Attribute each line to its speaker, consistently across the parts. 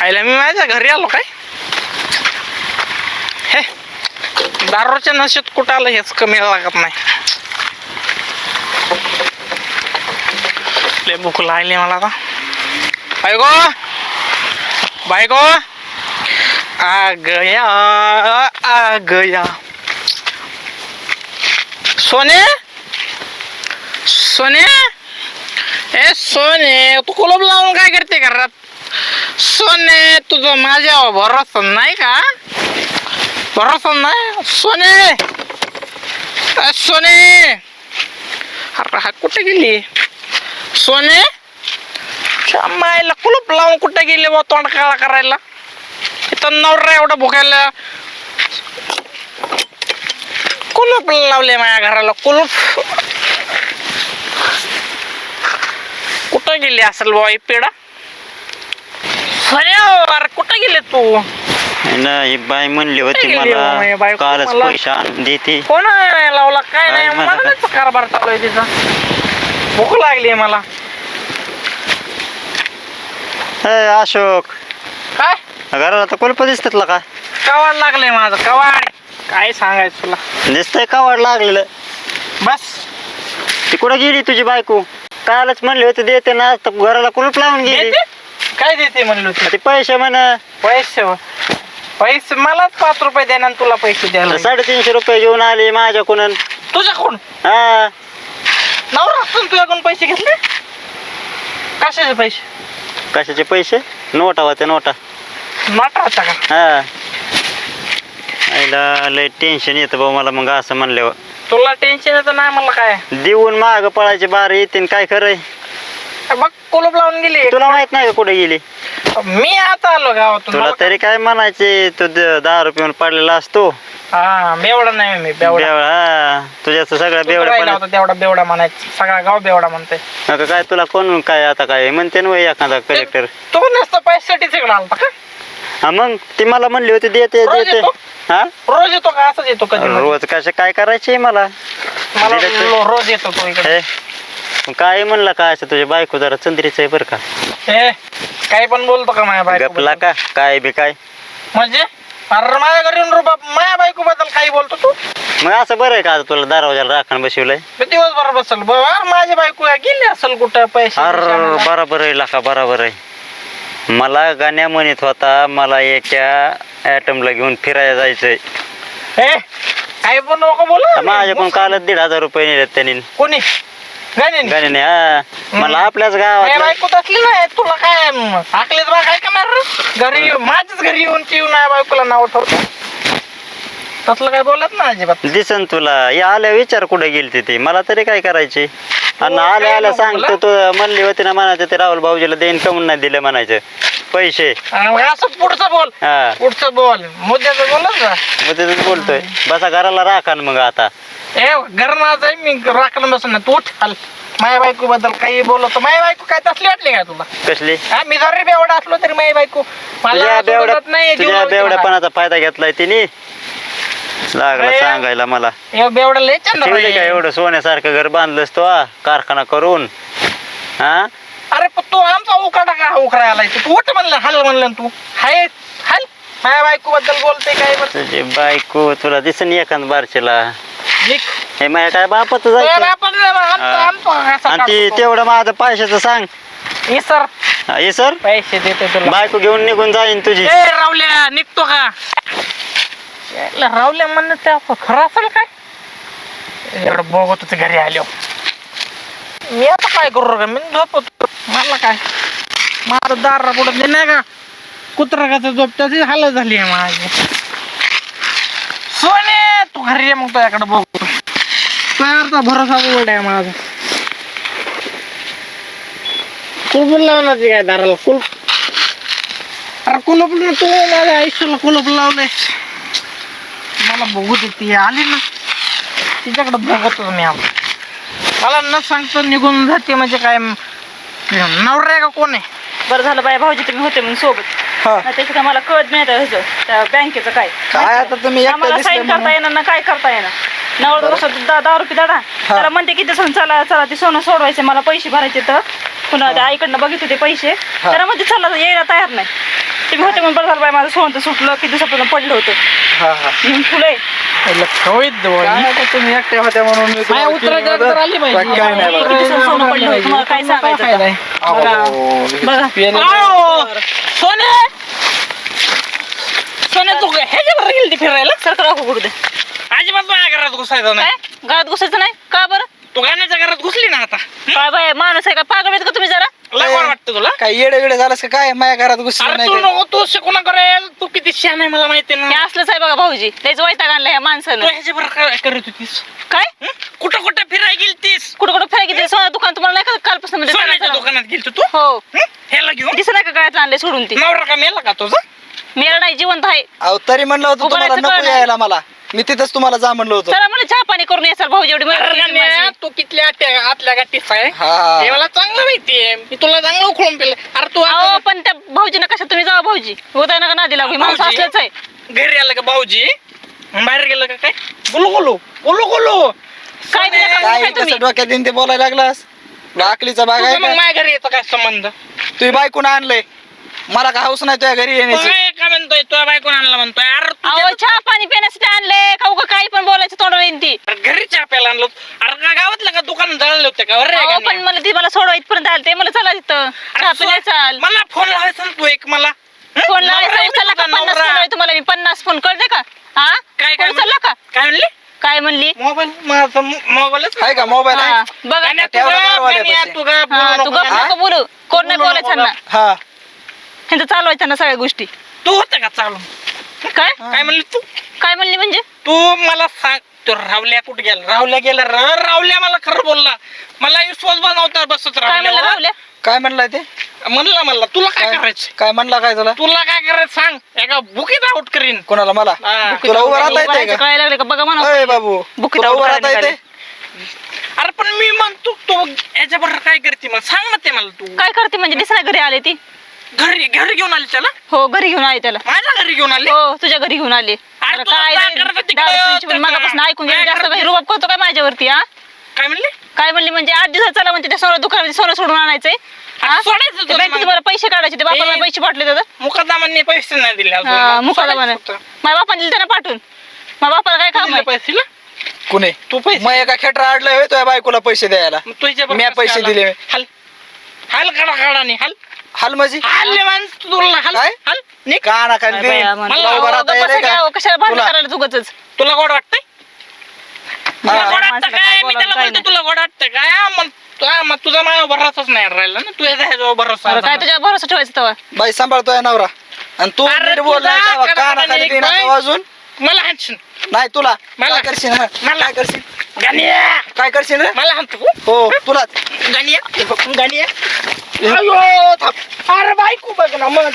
Speaker 1: आईला मी माझ्या घरी आलो काय? हे दारूच्या नशेत कुठं आलं हेच कमी लागत नाही. लय भूक लागली मला आता. बायको बायको आ गया सोने सोने ए सोने तू कुलूप लावून काय करते घरात? सोने तुझं माझ्यावर भरोसा नाही का? भरोसा नाही सोने? सोने अरे हा कुठे गेली सोने? मायला कुलूप लावून कुठे गेली बा तोंड काळा करायला? इथं नवरा एवढा भुकायला कुलूप लावले माझ्या घराला. कुलूप कुठं गेली असेल बा ही पेढा? अरे कुठं गेले तू?
Speaker 2: नाही बाई म्हणली होती मला कालच पैसा देते.
Speaker 1: कोण लावला काय नाही मला कारभार चालू आहे तिचा. भूक लागली मला.
Speaker 2: अशोक
Speaker 1: काय
Speaker 2: घराला तर कुलप दिसतात का?
Speaker 1: कवाड लागले माझं कवाड. काय सांगायचं तुला?
Speaker 2: दिसतंय कवाड लागलेलं.
Speaker 1: बस
Speaker 2: ती कुठं गेली तुझी बायको? कालच म्हणली होती देते ना, घराला कुलूप लावून गेली.
Speaker 1: काय देते म्हणलो तू?
Speaker 2: ते पैसे म्हण.
Speaker 1: पैसे पैसे मलाच 5 रुपये देणार तुला पैसे द्यायला.
Speaker 2: 350 रुपये घेऊन आले माझ्याकडून.
Speaker 1: तुझ्याकडून?
Speaker 2: हा
Speaker 1: नवरा असून तुझ्याकडून पैसे घेतले? कशाचे पैसे?
Speaker 2: कशाचे पैसे? नोटा होत्या नोटा.
Speaker 1: नोटा होता का?
Speaker 2: हा आईला लय टेन्शन येतं भाऊ मला मग असं म्हणल्यावर.
Speaker 1: तुला टेन्शन येतं नाही मला काय?
Speaker 2: देऊन माग पळायची बार येते काय खरंय?
Speaker 1: बघ कुलूप लावून गेली.
Speaker 2: तुला माहित नाही का कुठे गेली?
Speaker 1: मी आता आलो गावातून.
Speaker 2: तुला तरी काय म्हणायचे? तू 10 रुपये पडलेला असतो.
Speaker 1: हा बेवडा नाही मी बेवडा.
Speaker 2: हा तुझ्याच सगळं बेवडा
Speaker 1: तेवढा बेवडा म्हणायचं. सगळा गाव बेवडा म्हणते.
Speaker 2: काय तुला कोण काय आता काय म्हणते ना एखादा कलेक्टर?
Speaker 1: तू नसतं पैशासाठी तिकडे आलता का?
Speaker 2: हा मग ती मला म्हणली होती देते देते. हा
Speaker 1: रोज येतो का? असंच येतो कधी?
Speaker 2: रोज कसं काय करायचे मला?
Speaker 1: रोज येतो तो इकडे.
Speaker 2: काय म्हणला काय असं तुझ्या बायको जरा चंद्रीच आहे बरं का?
Speaker 1: काय पण बोलतो का माझ्या बायको?
Speaker 2: गपला का काय बी काय
Speaker 1: म्हणजे? अरे माझ्या घरी येऊन माझ्या बायको बद्दल काही बोलतो तू?
Speaker 2: मग असं बरं आहे का तुला दरवाजाला राखण बसवलंय?
Speaker 1: दिवसभर बसल माझी बायको गेली असेल कुठं पैसे?
Speaker 2: अरे बरोबर आहे लाका बरोबर आहे. मला गाण्या म्हणत होता मला एका ॲटमला घेऊन फिरायला जायचंय.
Speaker 1: काही पण नको बोला.
Speaker 2: माझ्याकडून कालच 1,500 रुपये नेलेत त्यांनी.
Speaker 1: कोणी?
Speaker 2: गाण्याने? हा मला आपल्याच गावात
Speaker 1: बायको असली नाही तुला काय आकलीच बा काय करणार? घरी माझ्याच घरी येऊन पिऊन नाही बायकोला नाव ठेवतो. तसलं काय बोलत ना अजिबात.
Speaker 2: दिसन तुला या आल्या विचार कुठे गेली ते मला तरी काय करायचे? आणि आल्या आल्या सांगतो तू म्हणली होती ना म्हणायचं ते राहुल भाऊजीला देईन कमून नाही दिले म्हणायचं पैसे.
Speaker 1: असं पुढचं बोल.
Speaker 2: हा
Speaker 1: पुढचं बोल मुद्द्याचं बोलत ना.
Speaker 2: मग बोलतोय बसा घराला राखा मग आता.
Speaker 1: घर माझं आहे मी राखलं बसून ना. तू चाल माझ्या बायको बद्दल काही बोलतो. माझी बायको काय तसली वाटली काय तुला?
Speaker 2: कसली?
Speaker 1: मी जरी बेवडा असलो तरी माझी बायको
Speaker 2: तुझ्या बेवड्यापणाचा फायदा घेतलाय तिने. लागला सांगायला मला
Speaker 1: बेवडा लय
Speaker 2: काय एवढं सोन्यासारखं घर बांधलंस तो कारखाना करून. हा
Speaker 1: अरे तू आमचा उकाडा का उकराय आलाय? तू उठ म्हणलं हल म्हणलं तू हाय हल. माझ्या बायको बद्दल बोलते काय?
Speaker 2: तुझी बायको तुला दिसन एखाद बारशीला. हे माझ्या काय बापाच आणि ती तेवढं माझं पैशाचं सांग. सर
Speaker 1: पैसे देते तुला.
Speaker 2: बायको घेऊन निघून जाईन तुझी.
Speaker 1: रावल्या निघतो का? रावल्या म्हणणं त्या खरं असेल काय? एवढं बघत होते घरी आलो मी. आता काय करू का? मी झोपतो. मला काय माझं दार पुढत नाही का? कुत्रा झोपत्याची हालत झाली आहे माझी. सोने तू घरी ये मग तुझ्याकडे बघतो. तुझ्यावरचा भरोसा उघड आहे माझा. कुलूप लावण्याची काय दाराला कुलूप? अरे कुलूप तू माझ्या आयुष्याला कुलूप लावलंय. मला बघू दे ती आली ना तिच्याकडे बघतो मी. मला न सांगतो निघून जाते म्हणजे काय नवरा आहे का कोण आहे?
Speaker 3: बरं झालं बाय भाऊजी तुम्ही होते मग सोबत. त्याचं काय मला कळत नाही त्या बँकेचं काय
Speaker 1: आता तुम्ही
Speaker 3: आम्हाला साईन करता येणार ना काय करता येणार. नवरा कसं 10 रुपये दाडा त्याला म्हणते किती चला चला ते सोनं सोडवायचे मला पैसे भरायचे तर पुन्हा त्या आईकडनं बघित होते पैसे त्याला म्हणते चला यायला तयार नाही. तुम्ही होते म्हणून बरं झालं बाई, माझं सोनं तर सुटलं, किती दिवसापासून पडलं होतं
Speaker 1: हा हा
Speaker 3: म्हणून फुले.
Speaker 1: काय आता तुम्ही एकट्या होत्या म्हणून मी तुम्हाला
Speaker 4: उत्तराच्या
Speaker 1: केली मदत.
Speaker 4: तर आली पाहिजे.
Speaker 1: बाकी काय नाही बघा.
Speaker 3: किती दिवसाचं सोनं पडलं होतं, तुम्हाला काय सांगायचं आता? बघा
Speaker 4: सोने सोने तू ह्याच्यावर गेली फिरायला
Speaker 3: सरकार राखू कुठे दे.
Speaker 4: अजिबात माझ्या घरात घुसायचं नाही
Speaker 3: काय घरात घुसायचं नाही का बरं?
Speaker 4: तू गाण्याच्या घरात घुसली ना आता
Speaker 3: काय बाय माणूस आहे का, पागल आहेत का तुम्ही जरा?
Speaker 4: लय गोड वाटतं तुला
Speaker 1: काय येडे वेडे झालास का काय माझ्या घरात घुसली
Speaker 4: अरे
Speaker 1: नाही
Speaker 4: तू
Speaker 1: काय?
Speaker 4: नको तू शिकून करेल तू किती शहाण आहे मला माहिती
Speaker 3: हे
Speaker 4: ना
Speaker 3: असलंच आहे बघा भाऊजी, लयच वैताग आणलं ह्या
Speaker 4: तू
Speaker 3: माणसानं.
Speaker 4: ह्याच्यावर काय करत होतीस
Speaker 3: काय
Speaker 4: कुठं कुठं फिरायला गेलतीस
Speaker 3: कुठं कुठं फिरायला गेली? सोनं दुकान तुम्हाला नाही का कालपासून मध्ये
Speaker 4: सोन्याच्या दुकानात गेलतो तू
Speaker 3: हो
Speaker 4: ह्याला घेऊन
Speaker 3: दिसत नाही का गळ्यात आणले सोडून ती?
Speaker 4: नवरा का मेला का तुझा
Speaker 3: मेला नाही, जिवंत आहे.
Speaker 1: अहो तरी म्हणलं होतं तुम्हाला
Speaker 3: उभारायचं
Speaker 1: नको
Speaker 3: कळलं.
Speaker 1: यायला मला, मी तिथंच तुम्हाला जा म्हणलं होतं.
Speaker 3: चला मला चहा पाणी करून येसाल भाऊजी, एवढी मदत केली
Speaker 4: अरे
Speaker 3: माझी.
Speaker 4: तू कितल्या आतल्या गाठीस आहे
Speaker 1: हा
Speaker 4: हे मला चांगलं माहितीये मी तुला चांगलं उखळून पेले अरे तू आता
Speaker 3: अहो पण त्या भाऊजीनं कशा तुम्ही जावा भाऊजी, होता नका नादी लागू, माणूस
Speaker 4: भाऊजी?
Speaker 3: असलंच आहे.
Speaker 4: घरी आलं का भाऊजी बाहेर गेलं का काय बोलू बोलू बोलू बोलू
Speaker 3: काय दिलं का?
Speaker 1: काय
Speaker 3: तुम्ही?
Speaker 1: कसं डोक्यात येईन ते बोलायला लागलास? लाकलीचा बाग आहे
Speaker 4: मग
Speaker 1: का?
Speaker 4: माझ्या घरी येतो काय संबंध
Speaker 1: तुझी बायकून आणलंय, मला का हाऊस नाही तुझ्या घरी येण्याची.
Speaker 4: काय का म्हणतोय तुझ्या बायकोन आणला म्हणतोय अरे
Speaker 3: अहो चहा पाणी पिण्यासाठी आणले का उगा काही पण बोलायचं तोंडावर येईन ती.
Speaker 4: घरी चहा प्यायला आणलो अरे का गावातलं का दुकान जळले होते का अरे
Speaker 3: अहो
Speaker 4: गाण्या?
Speaker 3: पण मला ती मला सोडवा इथपर्यंत आले ते मला चला तिथं चहा पिण्या चाल.
Speaker 4: मला फोन लावायचा ना तू एक मला हं?
Speaker 3: फोन
Speaker 4: नवरा आहे
Speaker 3: लावायचा उचलला का?
Speaker 4: तुझा,
Speaker 3: 50
Speaker 4: नवरा.
Speaker 3: फोन लावले तुम्हाला मी, 50 फोन कळते का? हा
Speaker 4: काय
Speaker 3: फोन उचलला का?
Speaker 4: काय म्हणली
Speaker 3: काय म्हणली?
Speaker 4: मोबाईल माझा मोबाईलच
Speaker 1: आहे का मोबाईल
Speaker 3: हा,
Speaker 1: आहे?
Speaker 3: बघा
Speaker 4: गाण्या
Speaker 1: ठेवला
Speaker 4: तुझा,
Speaker 1: मारवाले
Speaker 4: गाण्या
Speaker 1: पैसे.
Speaker 4: तुझा,
Speaker 3: हा
Speaker 4: बोलू
Speaker 3: तू
Speaker 4: नको
Speaker 3: गप
Speaker 4: ना.
Speaker 3: नको बोलू, कोण नाही
Speaker 4: बोलू
Speaker 3: बोलायचं
Speaker 4: नको
Speaker 3: ना,
Speaker 1: हा
Speaker 3: ह्यांचं चालवायचं ना सगळ्या गोष्टी.
Speaker 4: तू होतं का चालू
Speaker 3: काय
Speaker 4: काय म्हणली तू
Speaker 3: काय म्हणली म्हणजे?
Speaker 4: तू मला सांग तो रावल्या कुठे गेला रावल्या मला खरं बोलला मला विश्वास बनवता बसत
Speaker 3: काय म्हणलं
Speaker 4: रावल्या
Speaker 3: राहुल्या?
Speaker 1: काय म्हणलाय ते?
Speaker 4: म्हणला तुला काय करायचं
Speaker 1: काय म्हणला काय तुला?
Speaker 4: तुला काय करायचं सांग एका बुकीत आउट करीन
Speaker 1: कोणाला? मला?
Speaker 4: हा.
Speaker 1: तुला उभं राहता येते
Speaker 3: उभारायचं
Speaker 1: का?
Speaker 3: कळायला लागले का बघा
Speaker 1: अय
Speaker 3: म्हणा.
Speaker 1: बाबू
Speaker 3: बुकीत
Speaker 1: तुला
Speaker 3: आऊट
Speaker 1: उभं राहता
Speaker 3: करायला
Speaker 1: येते?
Speaker 4: अरे पण मी म्हणतो तो याच्याबरोबर काय करते मला सांग ना ते मला तू
Speaker 3: काय करते म्हणजे दिसना घरी आले ती?
Speaker 4: घरी घेऊन आली त्याला
Speaker 3: हो घरी घेऊन आले त्याला.
Speaker 4: माझ्या घरी घेऊन आली
Speaker 3: हो तुझ्या घरी घेऊन आले.
Speaker 4: अरे
Speaker 3: अरे
Speaker 4: तुला
Speaker 3: काय
Speaker 4: काय
Speaker 3: ते
Speaker 4: करत होती
Speaker 3: दारू
Speaker 4: काय
Speaker 3: पिऊची पण
Speaker 4: होतं
Speaker 3: मगापासून
Speaker 4: का?
Speaker 3: ऐकून घेऊन
Speaker 4: काय
Speaker 3: जास्त
Speaker 4: करत
Speaker 3: काही
Speaker 4: होती?
Speaker 3: रुबाब करतो काय माझ्यावरती? हा
Speaker 4: काय म्हणली
Speaker 3: काय म्हणली म्हणजे 8 दिवसात चला म्हणते त्या सोनं दुकानात सोनं सोडून आणायचंय. हा?
Speaker 4: सोडायचं
Speaker 3: ते
Speaker 4: तुला
Speaker 3: बँकेत
Speaker 4: मग.
Speaker 3: तुम्हाला पैसे काढायचे, ते बापाला
Speaker 4: ए.
Speaker 3: पैसे पाठले तर
Speaker 4: मुकादमांनी पैसे नाही दिले अजून. मग
Speaker 3: मुकाला
Speaker 4: सोडायचं
Speaker 3: म्हणे
Speaker 4: होतं.
Speaker 3: माझ्या बापाने दिले त्यांना पाठवून. माझ्या बापाला काय काम
Speaker 4: दिले
Speaker 3: आहे?
Speaker 4: पैसे ना?
Speaker 1: कुणी?
Speaker 4: तू पैसे
Speaker 1: मग एका खेटरा अडलंय होय तुझ्या बायकोला पैसे द्यायला?
Speaker 4: मग तुझ्या बरोबर
Speaker 1: म्या
Speaker 4: कसं
Speaker 1: पैसे
Speaker 4: आला?
Speaker 1: दिले.
Speaker 4: हल हल काढा हल
Speaker 1: हाल माझी
Speaker 4: हल्ले माणूस तुला हल
Speaker 1: काय?
Speaker 4: हल निक
Speaker 1: का ना खाली
Speaker 3: काय बाया म्हणतो.
Speaker 1: तुला उभं राहता
Speaker 3: अहो,
Speaker 1: येते
Speaker 3: गप्प बसा
Speaker 1: का?
Speaker 3: की, कशाला भांडण
Speaker 1: तुला?
Speaker 3: करायला उगाचच?
Speaker 4: तुला गोड वाटतंय तुला
Speaker 1: हा.
Speaker 4: गोड वाटतं
Speaker 3: माणसाला
Speaker 4: काय
Speaker 3: काय
Speaker 4: मी
Speaker 3: बोलावं,
Speaker 4: त्याला
Speaker 3: काय
Speaker 4: बोलतो
Speaker 3: नाही.
Speaker 4: तुला गोड वाटतं काय मग तुझा माझ्या भरोसाच नाही राहिला ना तुझ्या ह्याच्यावर भरोसा
Speaker 3: अरे काय
Speaker 4: झाला.
Speaker 3: तुझ्या भरोसा ठेवायचं तेव्हा?
Speaker 1: बाई सांभाळतोय नवरा आणि तू
Speaker 4: अरे
Speaker 1: नीट बोल नाही
Speaker 4: तुझा
Speaker 1: तेव्हा का ना
Speaker 4: कडकडा
Speaker 1: खाली
Speaker 4: एक
Speaker 1: देईन
Speaker 4: बाई.
Speaker 1: वाजून
Speaker 4: मला हाणशील
Speaker 1: नाही तुला
Speaker 4: मला-
Speaker 1: काय करशील हं?
Speaker 4: मला-
Speaker 1: काय करशील
Speaker 4: गाण्या
Speaker 1: काय करशील रे?
Speaker 4: मला हाणतो
Speaker 1: हो तुलाच
Speaker 4: गाण्या अयो थांब अरे बायको बघ ना मग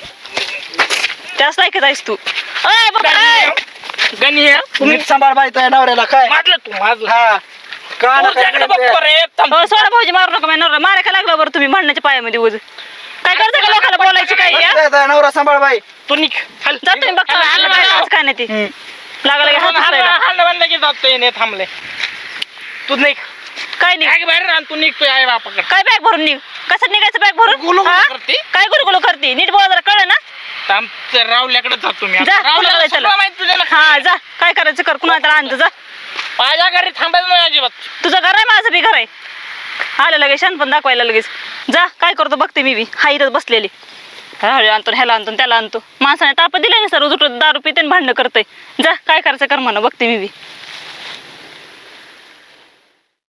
Speaker 3: त्याच लायकीत आहेस तू. अय बाबा, अय.
Speaker 4: गाण्या
Speaker 1: नीट सांभाळ बाई तुझ्या नवऱ्याला काय
Speaker 4: मारलं तू मारलं
Speaker 1: हा का ना
Speaker 4: तुझ्याकडे बघतो रे थांब.
Speaker 3: हो सोडा भाऊजी, मारू नका माझ्या नवरा. मारा का लागला बरं तुम्ही भांडणाच्या पायामध्ये उज? काय करता का लोकांना बोलायची काय? या?
Speaker 1: तुझ्या नवरा सांभाळ बाई.
Speaker 4: तू निघ हल
Speaker 3: जा तुम्ही बघता आलं माझ्या आज काय नाही ते
Speaker 1: हम्म.
Speaker 3: लागला की हात उचलायला.
Speaker 4: हाल बंद की जातोय नाही थांबले तू निघ
Speaker 3: काय नाही
Speaker 4: बॅग बाहेर राह तू निघतोय आई बापाकडे
Speaker 3: काय बॅग भरून निघ? कसं निघायचं बॅग भरून?
Speaker 4: गुलुगुलू
Speaker 3: हा?
Speaker 4: करते?
Speaker 3: काय गुलगुलू करते? नीट बोला जरा, कळलं ना?
Speaker 4: रावल्याकडे जातो मी
Speaker 3: जा,
Speaker 4: रावल्याला
Speaker 3: कुणाला
Speaker 4: सगळं
Speaker 3: चला.
Speaker 4: माहिती तुझ्या
Speaker 3: हा जा, काय करायचं कर, कुणाला तर आणतो जा.
Speaker 4: माझ्या घरी थांबायचं नाही अजिबात
Speaker 3: तुझं घर आहे, माझं बी घर आहे. आलं लगेच शान पण दाखवायला लगेच. जा काय करतो बघते मी बी. हा इथं बसलेली हळू आणतो, ह्याला आणतो त्याला आणतो. माणसाने ताप दिला नाही सर, उजट दारू पिते भांडणं करतोय. जा काय करायचं कर म्हणा, बघते मी बी.